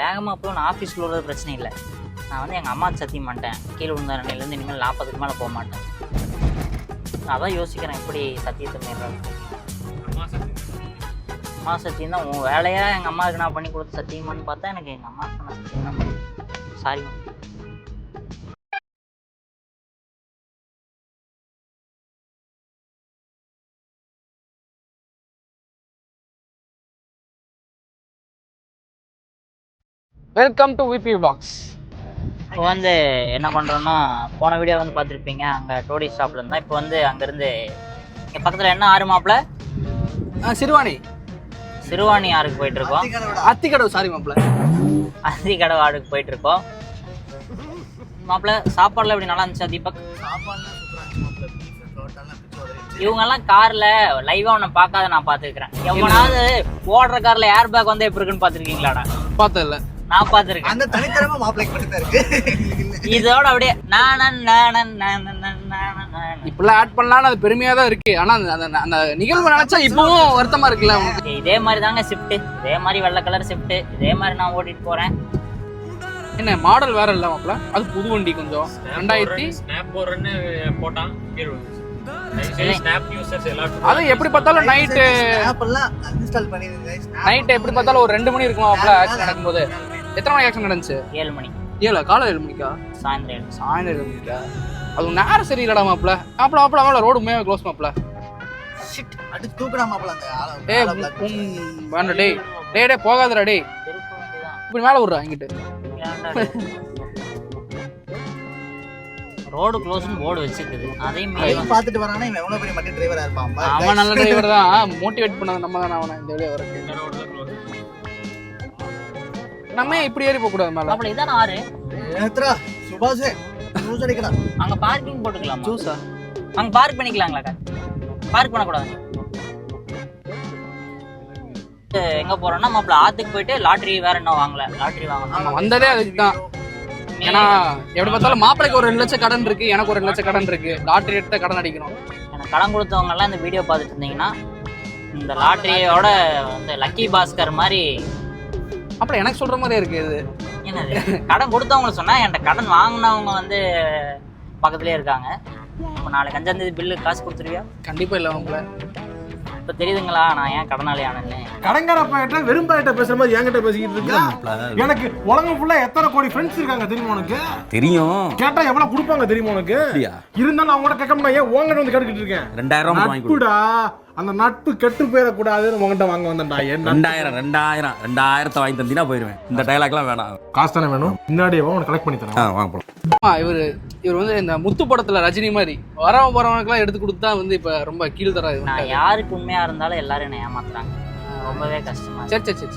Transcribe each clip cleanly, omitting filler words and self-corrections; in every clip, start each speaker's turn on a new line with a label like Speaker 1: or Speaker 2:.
Speaker 1: வேகமாக போய் நான் ஆஃபீஸில் உள்ளது பிரச்சனை இல்லை. நான் வந்து எங்கள் அம்மாவுக்கு சத்தியம் பண்ணிட்டேன், கீழே விழுந்த நிலையிலேருந்து இனிமேல் 40க்கு மேலே போக மாட்டேன். அதான் யோசிக்கிறேன் எப்படி சத்தியத்தை மீறாது. அம்மா சத்தியம் தான் உன் வேலையாக எங்கள் அம்மாவுக்கு நான் பண்ணி கொடுத்த சத்தியமானு பார்த்தா எனக்கு எங்கள் அம்மாவுக்கு நான் சத்தியம் தான் பண்ணி. Sorry.
Speaker 2: Welcome to VP box.
Speaker 1: இப்போ வந்து என்ன பண்ணுறோன்னா, போன வீடியோ வந்து பார்த்துருப்பீங்க, அங்கே டோடி ஷாப்பில் இருந்தால். இப்போ வந்து அங்கேருந்து இங்கே பக்கத்தில் என்ன ஆறு மாப்பிள்ள சிறுவாணி ஆறுக்கு போயிட்டுருக்கோம்.
Speaker 2: அத்திக்கடவு சாரி மாப்பிள்ள
Speaker 1: அத்திக்கடவு ஆறுக்கு போயிட்டுருக்கோம். மாப்பிள்ள சாப்பாடுலாம் எப்படி நல்லா இருந்துச்சா தீபக்? இவங்கெல்லாம் காரில் லைவாக ஒன்று பார்க்காத நான் பார்த்துருக்கிறேன். எவனாவது ஓடுற காரில் ஏர் பேக் வந்து எப்படி இருக்குன்னு பார்த்துருக்கீங்களாடா?
Speaker 2: பார்த்ததில்ல.
Speaker 1: நான் பார்த்துருக்கேன்.
Speaker 3: அந்த தனித்தரமா மாப்பிளைக்கு மட்டும் தான் இருக்கு.
Speaker 1: இதோட அப்படியே
Speaker 2: இப்பெல்லாம் ஆட் பண்ணலாம்னு அது பெருமையா தான் இருக்கு. ஆனா அந்த நிகழ்வு நினைச்சா இப்பவும் வருத்தமா இருக்குல்ல உங்களுக்கு?
Speaker 1: இதே மாதிரி தாங்க ஷிஃப்ட், இதே மாதிரி வெள்ளை கலர் ஷிஃப்ட், இதே மாதிரி நான் ஓட்டிட்டு போறேன்.
Speaker 2: என்ன மாடல் வேற இல்ல மாப்பிள்ள, அது புது வண்டி. கொஞ்சம் 2000
Speaker 4: ஸ்னாப் போறன்னு போட்டான் கீழ வந்து. ஸ்னாப் யூசர்ஸ் எல்லாரும்
Speaker 2: அது எப்படி பார்த்தாலும் நைட்
Speaker 3: ஆப்பெல்லாம் அன்இன்ஸ்டால் பண்ணிருங்க.
Speaker 2: நைட் எப்படி பார்த்தாலும் ஒரு 2 மணி இருக்குமா மாப்பிள்ள ஆக்சிடென்ட் நடக்கும்போது? எத்தனை மணி ஆக்சிடென்ட் நடந்துச்சு?
Speaker 1: 7 மணி.
Speaker 2: காலை 7 மணிக்கா?
Speaker 1: சாயந்தரம்
Speaker 2: 7 மணிக்கா? அது நேரம் சரியில்லடா மாப்பிள்ள. மாப்பிள்ள ரோடு உண்மையாக க்ளோஸ் மாப்பிள்ள.
Speaker 3: ஷிட் அடி தூக்குடா மாப்பிள்ள அந்த ஆளை.
Speaker 2: வேண்டாம் டேய் டேய் போகாதடா டேய். இப்படி மேலே விடுறா இங்கிட்டு.
Speaker 1: ரோடு க்ளோஸ்னு போர்டு வச்சிருக்குது, அதையும்
Speaker 3: பார்த்துட்டு வரானா இவன் எவ்வளவு பெரிய மட்டி டிரைவரா இருப்பான்.
Speaker 2: அவன் நல்ல டிரைவர் தான், மோட்டிவேட் பண்ணது நம்ம தானே அவனை இந்த வழியா வரக்கு. நம்ம இப்படி ஏறி போக கூடாது மேல.
Speaker 1: அப்படி இதான் ஆறு.
Speaker 3: ஏத்ரா சுபாஷ் ஜூஸ் அடிக்கடா.
Speaker 1: அங்க பார்க்கிங் போட்டுக்கலாம்.
Speaker 2: ஜூஸா?
Speaker 1: அங்க பார்க் பண்ணிக்கலாங்களா? பார்க் பண்ண கூடாது. எங்க போறோம்னா மாப்பிள்ள ஆத்துக்கு போயிட்டு லாட்டரி வேற என்ன வாங்கல, லாட்டரி வாங்கணும்.
Speaker 2: வந்ததே அதுக்கு தான். ஏன்னா எப்படி பார்த்தாலும் மாப்பிளைக்கு ஒரு 2 லட்சம் கடன் இருக்கு, எனக்கு ஒரு 2 லட்சம் கடன் இருக்கு. லாட்டரி எடுத்த கடன் அடிக்கணும். எனக்கு
Speaker 1: கடன் கொடுத்தவங்க எல்லாம் இந்த வீடியோ பார்த்துட்டு இருந்தீங்கன்னா இந்த லாட்டரியோட வந்து லக்கி பாஸ்கர் மாதிரி.
Speaker 2: அப்புறம் எனக்கு சொல்ற மாதிரியே இருக்கு இது.
Speaker 1: என்னது கடன் கொடுத்தவங்க சொன்னா, என்கிட்ட கடன் வாங்கினவங்க வந்து பக்கத்துலயே இருக்காங்க. இப்போ நாளைக்கு 5ஆம் தேதி பில்லு காசு கொடுத்துருவியா?
Speaker 2: கண்டிப்பா இல்லை மாப்பிள்ள.
Speaker 1: இப்போ தெரியுதுங்களா நான் ஏன் கடனாளி ஆனேன்னு?
Speaker 5: கடங்கார பையட்ட வெறும் பையட்ட பேசுற மாதிரி என்கிட்ட பேசிக்கிட்டு இருக்க. எனக்கு உலகம் ஃபுல்லா எத்தனை கோடி ஃப்ரெண்ட்ஸ் இருக்காங்க தெரியுமா உனக்கு?
Speaker 6: தெரியும்.
Speaker 5: கேட்டா எவ்வளவு கொடுப்பாங்க தெரியுமா உனக்கு? இருந்தாலும் அவங்க கூட கேட்க முடியாது. ஏன் உங்ககிட்ட வந்து கேட்டுக்கிட்டு இருக்கேன்?
Speaker 6: 2000 வாங்கி
Speaker 5: கொடுடா. அந்த நட்பு கெட்டு போயிடக்கூடாதுன்னு உங்ககிட்ட வாங்க வந்தேன்டா.
Speaker 6: 2000 வாங்கி தந்தீங்கன்னா போயிருவேன். இந்த டைலாக்லாம் வேணாம்.
Speaker 5: காசு தானே வேணும். முன்னாடியே உனக்கு கலெக்ட் பண்ணி தரேன்.
Speaker 6: வாங்க போலாம்.
Speaker 2: இவர் வந்து இந்த முத்து படத்துல ரஜினி மாதிரி வரவன் போறவனுக்குலாம் எடுத்து கொடுத்தா வந்து இப்ப ரொம்ப கீழ் தர.
Speaker 1: நான் யாருக்கு உண்மையா இருந்தாலும் எல்லாரும் என்ன ஏமாத்துறாங்க, ரொம்பவே கஷ்டமா.
Speaker 2: சரி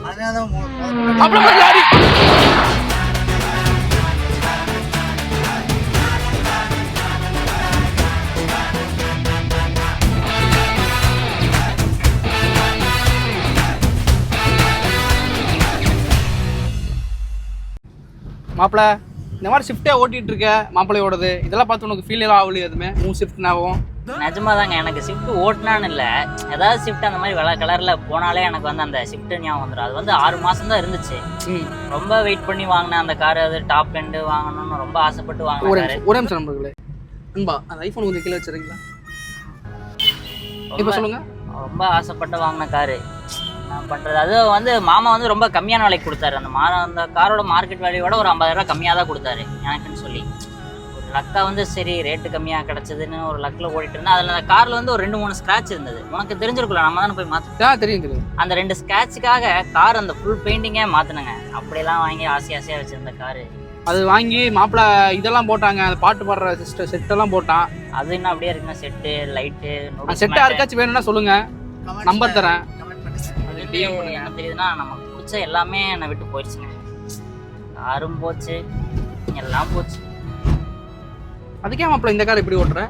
Speaker 2: மாப்பிள்ள, இந்த மாதிரி ஷிஃப்டே ஓட்டிட்டு இருக்க மாப்பிள்ளையோடது, இதெல்லாம் பார்த்து உனக்கு ஃபீல் ஆகலையே? எதுவுமே மூணு ஷிஃப்ட்னாவும்?
Speaker 1: நிஜமா தாங்க, எனக்கு ஷிஃப்ட் ஓட்டினான்னு இல்லை, ஏதாவது ஷிஃப்ட் அந்த மாதிரி வெள்ளை கலர்ல போனாலே எனக்கு வந்து அந்த ஷிஃப்ட் ஞாபகம் வந்துடும். அது வந்து 6 மாசம் தான் இருந்துச்சு. ரொம்ப வெயிட் பண்ணி வாங்கினேன் அந்த கார். அது டாப் எண்டு வாங்கணும்னு ரொம்ப ஆசைப்பட்டு வாங்கினேன்.
Speaker 2: ஒரே நிமிஷம் நம்பர்களே, அன்பா அந்த ஐஃபோன் கொஞ்சம் கீழே வச்சிருக்கீங்களா? இப்போ சொல்லுங்க. ரொம்ப
Speaker 1: ஆசைப்பட்டு வாங்கின காரு நான் பண்றது. அது வந்து மாமா வந்து ரொம்ப கம்மியான விலைக்கு கொடுத்தாரு. அந்த காரோட மார்க்கெட் வேல்யூவோட ஒரு 50,000 ரூபாய் கம்மியாக தான் கொடுத்தாரு எனக்குன்னு சொல்லி. ஒரு லக்கா வந்து சரி ரேட்டு கம்மியாக கிடச்சதுன்னு ஒரு லக்கில் ஓடிட்டு இருந்தேன். அதில் அந்த காரில் வந்து ஒரு 2-3 ஸ்க்ராட்ச் இருந்தது. உனக்கு தெரிஞ்சிருக்குல்ல, நம்ம தானே போய் மாற்ற.
Speaker 2: தெரியும். அந்த
Speaker 1: 2 ஸ்க்ராட்சுக்காக கார் அந்த ஃபுல் பெயிண்டிங்கே மாற்றினேங்க. அப்படியெல்லாம் வாங்கி ஆசையாக வச்சுருந்த காரு.
Speaker 2: அது வாங்கி மாப்பிள்ள இதெல்லாம் போட்டாங்க, அந்த பாட்டு பாடுற செட்டெல்லாம் போட்டான்.
Speaker 1: அது என்ன அப்படியே இருக்குங்க, செட்டு லைட்டு
Speaker 2: செட்டு யாருக்காச்சும் வேணும்னா சொல்லுங்க, நம்பர் தரேன்.
Speaker 1: என்ன தெரியுதுன்னா, நமக்கு பிடிச்ச எல்லாமே என்னை விட்டு போயிடுச்சுங்க. காரும் போச்சு, எல்லாம் போச்சு.
Speaker 2: அதுக்கே மாப்பிள்ள இந்த கார் இப்படி ஓட்டுற?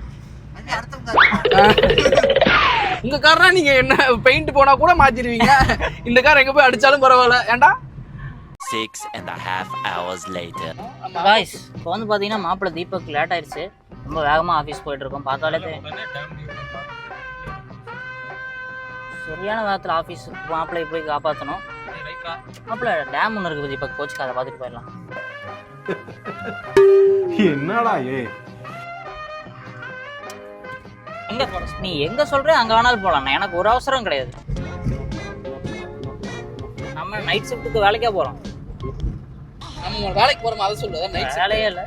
Speaker 2: உங்க கார்னா நீங்க என்ன பெயிண்ட் போனா கூட மாத்திடுவீங்க. இந்த கார் எங்க போய் அடிச்சாலும் பரவாயில்ல. ஏண்டா
Speaker 7: 6.5 hours later.
Speaker 1: காய்ஸ், இப்போ வந்து பார்த்தீங்கன்னா மாப்பிள்ளை தீபக் லேட் ஆயிடுச்சு. ரொம்ப வேகமாக ஆஃபீஸ் போயிட்டு இருக்கோம். பார்த்தாலே சரியான வேகத்தில் ஆஃபீஸ் மாப்பிள்ளை போய் காப்பாற்றணும். மாப்பிள்ள டேம் ஒன்று இருக்குது இப்போ கோச்சுக்காத பார்த்துட்டு போயிடலாம்.
Speaker 5: என்னடா
Speaker 1: எங்க நீ எங்க சொல்ற அங்க வேணாலும் போலாம், எனக்கு ஒரு அவசரம் கிடையாது. நம்ம நைட் ஷிஃப்ட்டுக்கு வேலைக்கே போறோம்.
Speaker 2: நம்ம வேலைக்கு போறோம் அதை சொல்லு. நைட்
Speaker 1: வேலையே இல்லை.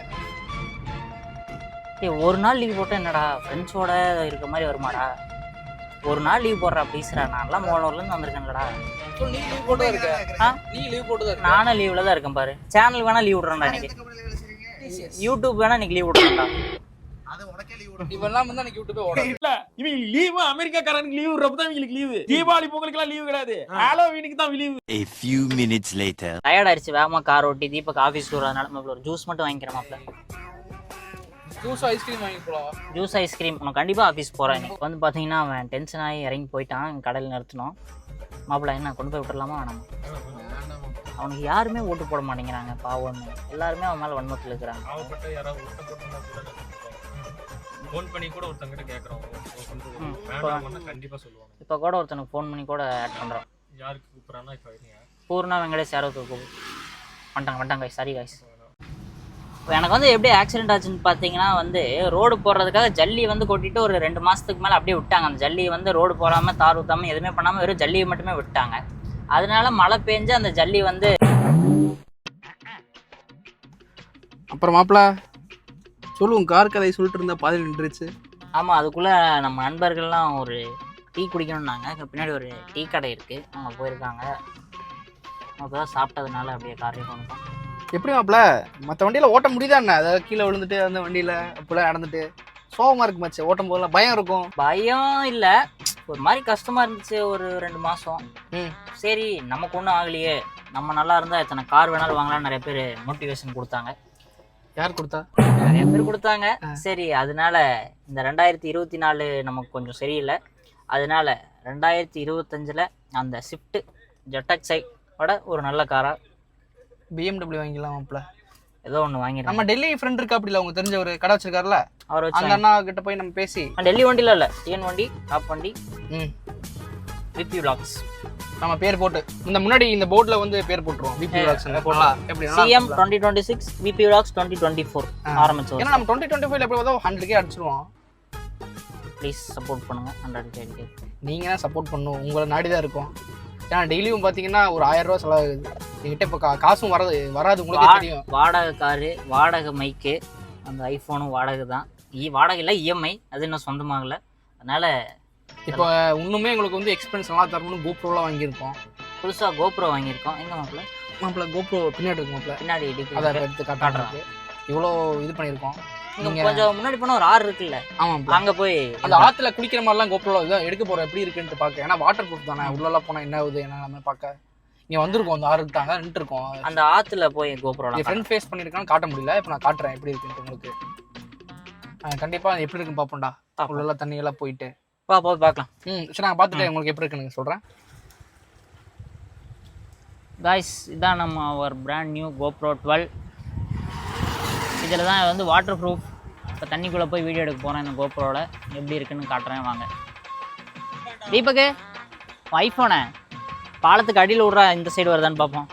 Speaker 1: ஒரு நாள் லீவ் போட்டா என்னடா ஃப்ரெண்ட்ஸோட இருக்க மாதிரி வருமாடா? ஒரு நாள் லீவ் போடுறா ப்ளீஸ்ரா. நான்லாம் மோனூர்லேருந்து வந்திருக்கேன்லடா.
Speaker 2: நீ லீவ் போட்டு தான் இருக்க. நீ லீவ் போட்டு தான் இருக்க.
Speaker 1: நானும் லீவ்ல தான் இருக்கேன் பாரு. சேனல் வேணா லீவ் விடுறேன்டா இன்னைக்கு. யூடியூப் வேணா இன்னைக்கு லீவ் விடுறேன்டா.
Speaker 3: அது உனக்கே லீவ் விடும்.
Speaker 2: இவெல்லாம் வந்து எனக்கு யூடியூபே ஓடாது.
Speaker 8: இவங்க லீவு அமெரிக்காக்காரனுக்கு லீவ் விடுறப்ப தான் இவங்களுக்கு லீவு. தீபாவளி பொங்கலுக்குலாம் லீவு கிடையாது. ஹாலோவீனுக்கு தான் leave.
Speaker 7: A few minutes later.
Speaker 1: Tired ஆயிடுச்சு, வேகமா கார் ஓட்டி தீபக் ஆஃபீஸ் வரதுனால மாப்பிள்ள ஒரு ஜூஸ் மட்டும் வாங்கிக்கிறேன் மாப்பிள்ள.
Speaker 2: ஜூஸ் ஐஸ்கிரீம் வாங்கி போலாம்.
Speaker 1: ஜூஸ் ஐஸ்கிரீம் உனக்கு கண்டிப்பாக ஆஃபீஸ் போகிறேன். இன்னைக்கு வந்து பார்த்தீங்கன்னா அவன் டென்ஷன் ஆகி இறங்கி போயிட்டான். கடையில் நிறுத்தினோம். மாப்பிள்ள என்ன கொண்டு போய் விட்டுடலாமா வேணாமா? அவனுக்கு யாருமே ஓட்டு போட மாட்டேங்கிறாங்க பாவம். எல்லாருமே அவன் மேலே வன்மத்தில் இருக்கிறாங்க.
Speaker 4: பாவப்பட்ட யாராவது ஃபோன் பண்ணி கூட ஒருத்தங்கிட்ட கேட்குறோம். கண்டிப்பாக சொல்லுவாங்க.
Speaker 1: இப்போ கூட ஒருத்தனுக்கு ஃபோன் பண்ணி கூட ஆட் பண்ணுறோம்.
Speaker 4: யாருக்கு கூப்பிட்றான்னா இப்போ வரீங்க
Speaker 1: பூர்ணா வெங்கடேஷ் யாரோ வந்துட்டாங்க காய்ஸ். Sorry guys. இப்போ எனக்கு வந்து எப்படி ஆக்சிடென்ட் ஆச்சுன்னு பார்த்தீங்கன்னா வந்து ரோடு போடுறதுக்காக ஜல்லி வந்து கொட்டிட்டு ஒரு 2 மாதத்துக்கு மேலே அப்படியே விட்டாங்க. அந்த ஜல்லி வந்து ரோடு போடாமல் தார் ஊற்றாமல் எதுவுமே பண்ணாமல் வெறும் ஜல்லியை மட்டுமே விட்டாங்க. அதனால மழை பெஞ்சு அந்த ஜல்லி வந்து
Speaker 2: அப்புறம் மாப்பிள்ள சொல்லுவோம். கார் கதை சொல்லிட்டு இருந்தா பாதி நின்றுச்சு.
Speaker 1: ஆமாம், அதுக்குள்ளே நம்ம நண்பர்கள்லாம் ஒரு டீ குடிக்கணும்னாங்க. பின்னாடி ஒரு டீ கடை இருக்குது, அவங்க போயிருக்காங்க. அப்போ தான் சாப்பிட்டதுனால அப்படியே காரையும் கொண்டுட்டோம்.
Speaker 2: எப்படி மாப்பிள்ள மற்ற வண்டியில் ஓட்ட முடியுதா என்ன? அதாவது கீழே விழுந்துட்டு அந்த வண்டியில் அப்போலாம் நடந்துட்டு சோகமாக இருக்கு மச்சு. ஓட்டும் போதெல்லாம் பயம் இருக்கும்.
Speaker 1: பயம் இல்லை, ஒரு மாதிரி கஷ்டமாக இருந்துச்சு ஒரு 2 மாதம். சரி நமக்கு ஒன்றும் ஆகலையே, நம்ம நல்லா இருந்தால் எத்தனை கார் வேணாலும் வாங்கலாம்னு நிறைய பேர் மோட்டிவேஷன் கொடுத்தாங்க.
Speaker 2: யார் கொடுத்தா?
Speaker 1: நிறைய பேர் கொடுத்தாங்க. சரி அதனால இந்த 2024 நமக்கு கொஞ்சம் சரியில்லை. அதனால 2025 அந்த ஸ்விஃப்ட் ஜெட்டக்ஸையோட ஒரு நல்ல காராக
Speaker 2: BMW வாங்கிக்கலாம் மாப்பிள்ள.
Speaker 1: ஏதோ ஒன்று வாங்கிடுறோம்.
Speaker 2: நம்ம டெல்லி ஃப்ரெண்ட் இருக்கா அப்படில அவங்க தெரிஞ்ச ஒரு கடை வச்சிருக்காருல,
Speaker 1: அவர் வச்சு
Speaker 2: அந்த அண்ணா கிட்ட போய் நம்ம பேசி.
Speaker 1: டெல்லி வண்டியில் இல்லை, டிஎன் வண்டி, டாப் வண்டி, விபி விலாக்ஸ்
Speaker 2: நம்ம பேர் போட்டு இந்த முன்னாடி இந்த போர்டில் வந்து பேர் போட்டுருவோம். விபி விலாக்ஸ் எப்படி
Speaker 1: CM 2026 விபி விலாக்ஸ் 2024 ஆரம்பிச்சோம்.
Speaker 2: ஏன்னா நம்ம 2025 எப்படி பார்த்தா 100K அடிச்சிருவோம்.
Speaker 1: ப்ளீஸ் சப்போர்ட் பண்ணுங்க. 100K
Speaker 2: நீங்கள் தான் சப்போர்ட் பண்ணணும். உங்களை நாடி தான் இருக்கும். ஏன்னா டெய்லியும் பார்த்தீங்கன்னா ஒரு 1000 ரூபா செலவாகுது என்கிட்ட. இப்போ காசும் வராது உங்களுக்கு தெரியும்.
Speaker 1: வாடகை காரு, வாடகை மைக்கு, அந்த ஐஃபோனும் வாடகை தான். வாடகை இல்லை, இஎம்ஐ, அது இன்னும் சொந்தமாகல. அதனால
Speaker 2: இப்போ இன்னுமே எங்களுக்கு வந்து எக்ஸ்பென்ஸ் நல்லா தரணும்னு கோப்ரோலாம் வாங்கியிருக்கோம்.
Speaker 1: புதுசாக கோப்ரோ வாங்கியிருக்கோம். எங்கே
Speaker 2: மாப்பிள்ள கோப்ரோ பின்னாடி இருக்கு மாப்பிள்ள.
Speaker 1: பின்னாடி
Speaker 2: அதை எடுத்து காட்டுறதுக்கு இவ்வளோ இது பண்ணியிருக்கோம்.
Speaker 1: நீங்கள் கொஞ்சம் முன்னாடி போனால் ஒரு ஆறு இருக்குல்ல,
Speaker 2: ஆமாம்
Speaker 1: அங்கே போய்
Speaker 2: அந்த ஆற்றுல குளிக்கிற மாதிரிலாம் கோப்ரோல இதான் எடுக்க போகிறோம். எப்படி இருக்குன்ட்டு பார்க்க. ஏன்னா வாட்டர் ப்ரூஃப் தானே, உள்ளெல்லாம் போனால் என்ன ஆகுது என்ன நம்ம பார்க்க. இங்கே வந்திருக்கோம், அந்த ஆறு தாங்க நின்றுருக்கோம்.
Speaker 1: அந்த ஆற்றுல போய் கோப்ரோலாம்
Speaker 2: ஃப்ரண்ட் ஃபேஸ் பண்ணியிருக்கான்னு காட்ட முடியல. இப்போ நான் காட்டுறேன் எப்படி இருக்குன்ட்டு உங்களுக்கு. கண்டிப்பாக எப்படி இருக்குன்னு பார்ப்போம்டா. உள்ளெல்லாம் தண்ணியெல்லாம் போயிட்டு
Speaker 1: போய் பார்க்கலாம்.
Speaker 2: சரி நாங்கள் பார்த்துட்டு உங்களுக்கு எப்படி இருக்குன்னு சொல்கிறேன்.
Speaker 1: காய்ஸ் இதான் நம்ம ஒரு பிராண்ட் நியூ GoPro 12. இதில் தான் வந்து வாட்டர் ப்ரூஃப். இப்போ தண்ணிக்குள்ளே போய் வீடியோ எடுக்க போகிறேன். இந்த GoProவில் எப்படி இருக்குன்னு காட்டுறேன் வாங்க. தீபக்கு ஐஃபோனை பாலத்துக்கு அடியில் விட்றா, இந்த சைடு வருதான்னு பார்ப்போம்.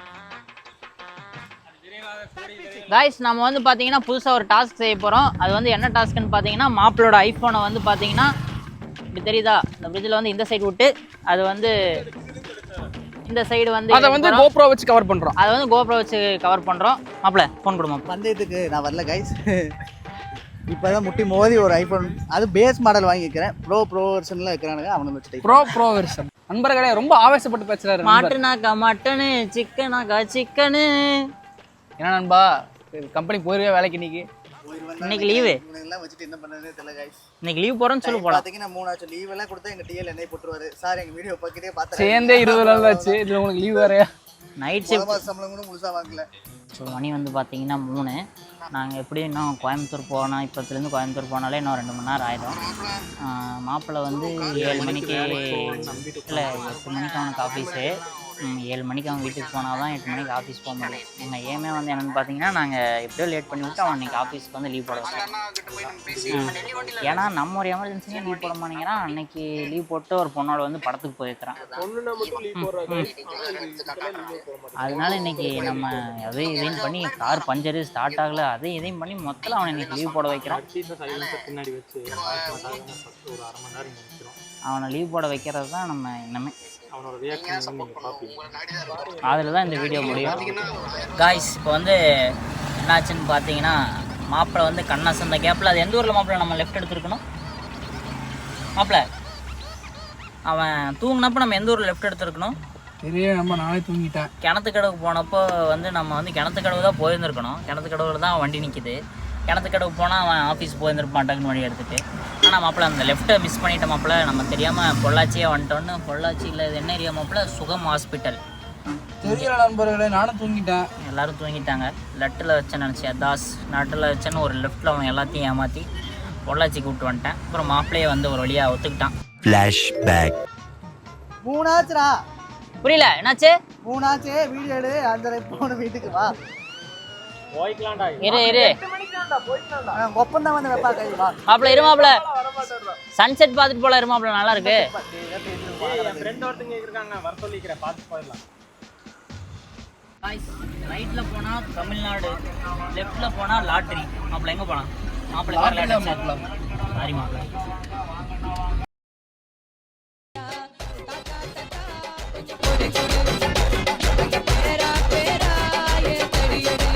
Speaker 1: காய்ஸ் நம்ம வந்து பார்த்தீங்கன்னா புதுசாக ஒரு டாஸ்க் செய்ய போகிறோம். அது வந்து என்ன டாஸ்க்குன்னு பார்த்தீங்கன்னா மாப்பிளோட ஐஃபோனை வந்து பார்த்தீங்கன்னா இப்படி தெரியுதா, இந்த பிரிட்ஜில் வந்து இந்த சைடு விட்டு அது வந்து இந்த சைடு வந்து
Speaker 2: அதை வந்து GoPro வச்சு கவர் பண்ணுறோம்.
Speaker 1: அதை வந்து GoPro வச்சு கவர் பண்ணுறோம். மாப்பிள்ள ஃபோன் கொடுமா.
Speaker 3: பந்தயத்துக்கு நான் வரல கைஸ். இப்போதான் முட்டி மோதி ஒரு ஐஃபோன், அது பேஸ் மாடல் வாங்கிக்கிறேன். ப்ரோ வெர்ஷன்லாம் இருக்கிறானுங்க, அவனை வச்சுட்டு
Speaker 2: ப்ரோ வெர்ஷன். நண்பர்களே ரொம்ப ஆவேசப்பட்டு பேசுறாரு.
Speaker 1: மாட்டுனாக்கா மட்டனு, சிக்கனாக்கா சிக்கனு.
Speaker 2: என்ன நண்பா கம்பெனி போயிருவே வேலைக்கு?
Speaker 1: இன்னைக்கு லீவு.
Speaker 3: இவனெல்லாம் வச்சுட்டு என்ன பண்ணுறதுன்னு தெரியல கைஸ்.
Speaker 1: இன்னைக்கு லீவ் போகிறோன்னு சொல்லி போகலாம்.
Speaker 3: பார்த்தீங்கன்னா 3 ஆச்சு லீவ் எல்லாம் கொடுத்தா எங்கள் டிஎல் என்னை போட்டுருவாரு. சார் எங்கள் வீடியோ பார்க்கிட்டே பார்த்தேன்.
Speaker 2: சேர்ந்தே 20 நாள் ஆச்சு. இதில் உங்களுக்கு லீவ் வேறையா?
Speaker 1: நைட் ஷிஃப்ட்
Speaker 3: சம்பளம் கூட முழுசாக வாங்கல.
Speaker 1: ஸோ மணி வந்து பார்த்தீங்கன்னா 3. நாங்கள் எப்படி இன்னும் கோயம்புத்தூர் போனால், இப்போத்துலேருந்து கோயம்புத்தூர் போனாலே இன்னும் 2 மணி நேரம் ஆயிடும். மாப்பிள்ளை வந்து 7 மணிக்கு இல்லை 8 மணிக்கு அவனுக்கு ஆஃபீஸு. 7 மணிக்கு அவன் வீட்டுக்கு போனால் தான் 8 மணிக்கு ஆஃபீஸ் போக முடியும். எங்கள் ஏமே வந்து என்னென்னு பார்த்தீங்கன்னா நாங்கள் எப்படியோ லேட் பண்ணி விட்டு அவன் இன்றைக்கி ஆஃபீஸ்க்கு வந்து லீவ் போட வச்சோம். ஏன்னா நம்ம ஒரு எமர்ஜென்சியாக லீவ் போட மாட்டேங்கிறான். அன்னைக்கு லீவ் போட்டு ஒரு பொண்ணோட வந்து படத்துக்கு போயிருக்கிறான். அதனால இன்னைக்கு நம்ம அதையும் இதையும் பண்ணி கார் பஞ்சரு ஸ்டார்ட் ஆகலை, அதையும் இதையும் பண்ணி மொத்தம் அவனை இன்னைக்கு லீவ் போட வைக்கிறான்.
Speaker 4: பின்னாடி வச்சு ஒரு 1/2 மணி நேரம் நினைக்கிறோம்.
Speaker 1: அவனை லீவ் போட வைக்கிறது தான் நம்ம இன்னமே.
Speaker 4: அவனோட ரியாக்ஷன் நீங்கள் பார்ப்பீங்க.
Speaker 1: அதில் தான் இந்த வீடியோ முடியும். காய்ஸ் இப்போ வந்து என்னாச்சுன்னு பார்த்தீங்கன்னா மாப்பிள்ளை வந்து கண்ணாசு அந்த கேப்பில் அது எந்த ஊரில் மாப்பிள்ளை நம்ம லெஃப்ட் எடுத்துருக்கணும்? மாப்பிள்ளை அவன் தூங்கினப்போ நம்ம எந்த ஊரில் லெஃப்ட் எடுத்துருக்கணும்?
Speaker 2: தெரிய நம்ம நானே தூங்கிட்டேன்.
Speaker 1: கிணத்துக்கடவுக்கு போனப்போ வந்து நம்ம வந்து கிணத்துக்கடவு தான் போயிருந்துருக்கணும். கிணத்துக்கடவுல தான் வண்டி நிற்கிது. கிணத்துக்கடவுக்கு போனால் அவன் ஆஃபீஸ் போயிருந்துருப்பான் டக்குன்னு வண்டி எடுத்துகிட்டு. ஆனால் மாப்பிள்ளை அந்த லெஃப்ட்டை மிஸ் பண்ணிட்ட மாப்பிள்ளை. நம்ம தெரியாமல் பொள்ளாச்சியே வந்துட்டோன்னு. பொள்ளாச்சியில் இது என்ன ஏரியா மாப்பிள்ளை? சுகம் ஹாஸ்பிட்டல்.
Speaker 2: தெரியல நண்பர்களே, நானும் தூங்கிட்டேன்.
Speaker 1: எல்லோரும் தூங்கிட்டாங்க. லெட்டில் வச்சேன்னு நினச்சேன், தாஸ் நட்டில் வச்சேன்னு ஒரு லெஃப்ட்டில் அவன் எல்லாத்தையும் ஏமாற்றி பொள்ளாச்சிக்கு விட்டு வந்துட்டேன். அப்புறம் மாப்பிள்ளையே வந்து ஒரு வழியாக ஒத்துக்கிட்டான்.
Speaker 7: Flashback.
Speaker 3: 3 ஆச்சுடா.
Speaker 1: புரியல என்னாச்சு?
Speaker 3: 3 ஆச்சு. வீடியோ எடு. 5:30 போன வீட்டுக்கு வா.
Speaker 4: போய்க்கலாம்டா.
Speaker 1: இரு
Speaker 3: ஒப்பம் தான் வந்து வைப்பா கை வா.
Speaker 1: மாப்பிள்ளை இரு மாப்பிள்ளை. சன்செட் பார்த்துட்டு போல இரு மாப்பிள்ளை, நல்லா இருக்கு.
Speaker 4: என் ஃப்ரெண்ட் ஒருத்தங்க இருக்காங்க, வர சொல்லிக்கிறேன், பார்த்து போயிடலாம்.
Speaker 1: ரைட்ல போனா தமிழ்நாடு, லெஃப்ட்ல போனா லாட்ரி. மாப்பிள்ளை எங்க போலாம்? மாப்பிள்ளை சாரி மாப்பிள்ளை.